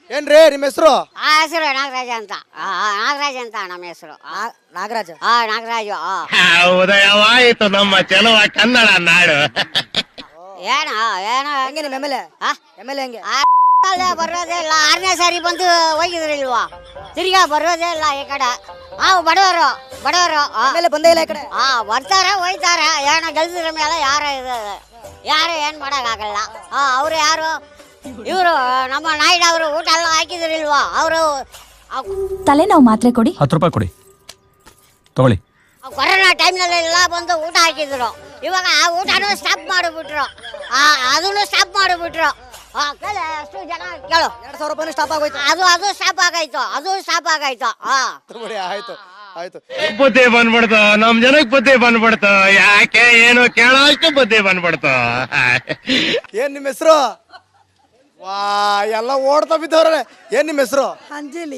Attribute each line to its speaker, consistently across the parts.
Speaker 1: ಏನ್ರಿ ನಿಮ್ಮ ಹೆಸರು?
Speaker 2: ಆ ಹೆಸರು ನಾಗರಾಜ ಅಂತ. ನಾಗರಾಜ ಅಂತ ನಮ್ಮ ಹೆಸರು.
Speaker 3: ನಾಗರಾಜ.
Speaker 2: ನಾಗರಾಜು.
Speaker 4: ಉದಯವಾಯಿತು ನಮ್ಮ ಚೆಲುವ ಕನ್ನಡ ನಾಡು.
Speaker 2: ಏನ ಏನ
Speaker 3: ಹೆಂಗೆ ನಿಮ್ಮ ಎಮ್ ಎಲ್ ಎ ಹೆಂಗೆ?
Speaker 2: ಬರೋದೇ ಇಲ್ಲ. 6ನೇ ಸಾರಿ ಬಂದು ಹೋಗಿದ್ರಿಲ್ವಾ, ತಿರ್ಗಾ ಬರೋದೇ ಇಲ್ಲ ಈ ಕಡೆ. ಬಡವರು
Speaker 3: ಎಮ್ ಬಂದೇ ಇಲ್ಲ ಈ ಕಡೆ.
Speaker 2: ಬರ್ತಾರೆ ಹೋಯ್ತಾರೆ. ಏನೋ ಗೆಲ್ಸಿದ್ರ ಮೇಲೆ ಯಾರು ಏನ್ ಮಾಡಕ್ಕಾಗಲ್ಲ. ಅವ್ರು ಯಾರು ಇವರು ನಮ್ಮ ನಾಯ್ಡು ಅವರು ಊಟ ಎಲ್ಲ ಹಾಕಿದ್ರಿಲ್ವಾ ಅವರು.
Speaker 5: ತಲೆನೋವು ಮಾತ್ರೆ ಕೊಡಿ.
Speaker 6: 10 ರೂಪಾಯಿ ಕೊಡಿ, ತಗೊಳ್ಳಿ.
Speaker 2: ಕೊರೋನಾ ಟೈಮ್ನಲ್ಲೆಲ್ಲ ಬಂದು ಊಟ ಹಾಕಿದ್ರು. ಇವಾಗ ಆ ಊಟನೂ ಸ್ಟಾಪ್ ಮಾಡಿಬಿಟ್ರು. ಅದನ್ನು ಸ್ಟಾಪ್ ಮಾಡಿಬಿಟ್ರು. ಅಷ್ಟು ಜನ ಕೇಳು.
Speaker 3: 2,000 ರೂಪಾಯಿ ಸ್ಟಾಪ್ ಆಗೋಯ್ತು.
Speaker 2: ಅದು ಸ್ಟಾಪ್ ಆಗಾಯ್ತು.
Speaker 1: ಆಯ್ತು.
Speaker 4: ಬುದ್ಧಿ ಬಂದ್ಬಿಡ್ತು, ನಮ್ ಜನಕ್ ಬುದ್ಧಿ ಬಂದ್ಬಿಡ್ತು. ಯಾಕೆ ಏನು ಕೇಳೋಷ್ಟು ಬುದ್ಧಿ ಬಂದ್ಬಿಡ್ತು.
Speaker 1: ಏನ್ ನಿಮ್ಮ ಹೆಸರು? ವಾ ಎಲ್ಲ ಓಡ್ತಾ ಬಿದ್ದವ್ರೆ. ಏನ್ ನಿಮ್ಮ ಹೆಸರು?
Speaker 7: ಅಂಜಲಿ.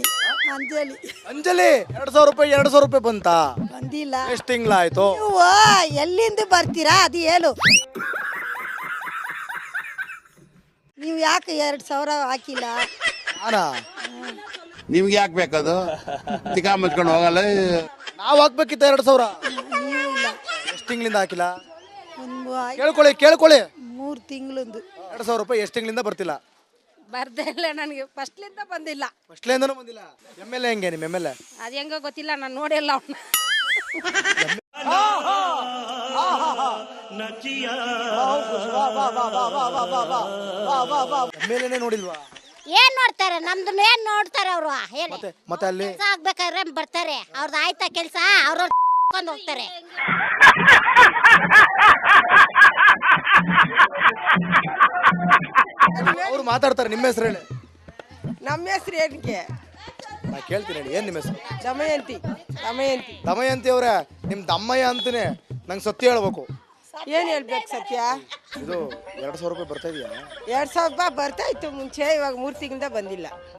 Speaker 1: 2,000 ರೂಪಾಯಿ ಬಂತಾ?
Speaker 7: ಬಂದಿಲ್ಲ.
Speaker 1: ಎಷ್ಟು ತಿಂಗಳಾಯ್ತು?
Speaker 7: ನೀವು ಎಲ್ಲಿಂದ ಬರ್ತೀರಾ ಅದು ಹೇಳು. ನೀವು ಯಾಕೆ 2,000 ಹಾಕಿಲ್ಲ?
Speaker 1: ನಾನಾ?
Speaker 8: ನಿಮ್ಗೆ ಯಾಕೆ ಬೇಕದು? ತಿಕಾ ಮುಚ್ಕೊಂಡು ಹೋಗಲ್ಲ.
Speaker 1: ನಾವ್ ಹಾಕ್ಬೇಕಿತ್ತ 2,000?
Speaker 7: ನೀವು ಇಲ್ಲ.
Speaker 1: ಎಷ್ಟು ತಿಂಗಳಿಂದ ಹಾಕಿಲ್ಲ?
Speaker 7: ಒಂದು
Speaker 1: ಕೇಳ್ಕೊಳ್ಳಿ.
Speaker 7: 3 ತಿಂಗಳಿಂದ
Speaker 1: 2,000 ರೂಪಾಯಿ ಎಷ್ಟು ತಿಂಗಳಿಂದ ಬರ್ತಿಲ್ಲ?
Speaker 9: ಬರ್ದೇ ಇಲ್ಲ, ನನಗೆ ಫಸ್ಟ್ಲಿಂದ ಬಂದಿಲ್ಲ.
Speaker 1: ಫಸ್ಟ್ಲಿಂದನೂ ಬಂದಿಲ್ಲ. ಎಮ್ ಎಲ್ ಎ ಹೆಂಗೆ ನಿಮ್ಮ ಎಮ್ ಎಲ್ ಎ?
Speaker 9: ಅದು ಹೆಂಗೋ ಗೊತ್ತಿಲ್ಲ, ನಾನು ನೋಡಿಲ್ಲ ಅವನ್ನ.
Speaker 1: ಎಮ್ ಎಲ್ ಎನೇ ನೋಡಿಲ್ವಾ?
Speaker 2: ಏನ್ ನೋಡ್ತಾರೆ? ನಮ್ದು ಏನ್ ನೋಡ್ತಾರೆ ಅವರು?
Speaker 1: ಮತ್ತೆ ಅಲ್ಲಿ
Speaker 2: ಆಗ್ಬೇಕಾದ್ರೆ ಬರ್ತಾರೆ. ಅವ್ರದ್ದು ಆಯ್ತಾ ಕೆಲ್ಸ, ಅವ್ರ ಹೋಗ್ತಾರೆ.
Speaker 1: ಅವ್ರು ಮಾತಾಡ್ತಾರೆ. ನಿಮ್ಮ ಹೆಸರು ಹೇಳಿ.
Speaker 7: ನಮ್ಮ ಹೆಸರು ಏನಕ್ಕೆ?
Speaker 1: ನಾ ಕೇಳ್ತೀನಿ ಹೇಳಿ. ಏನ್ ನಿಮ್ಮ ಹೆಸರು?
Speaker 7: ದಮಯಂತಿ
Speaker 1: ಅವ್ರೆ, ನಿಮ್ ದಮ್ಮಯ್ಯ ಅಂತಾನೆ. ನಂಗೆ ಸತ್ಯ ಹೇಳ್ಬೇಕು.
Speaker 7: ಏನ್ ಹೇಳ್ಬೇಕು ಸತ್ಯ?
Speaker 1: ಇದು 2,000 ರೂಪಾಯಿ ಬರ್ತಾ ಇದೆಯಾ?
Speaker 7: 2,000 ರೂಪಾಯಿ ಬರ್ತಾ ಇತ್ತು ಮುಂಚೆ, ಇವಾಗ 3 ತಿಂಗಳಿಂದ ಬಂದಿಲ್ಲ.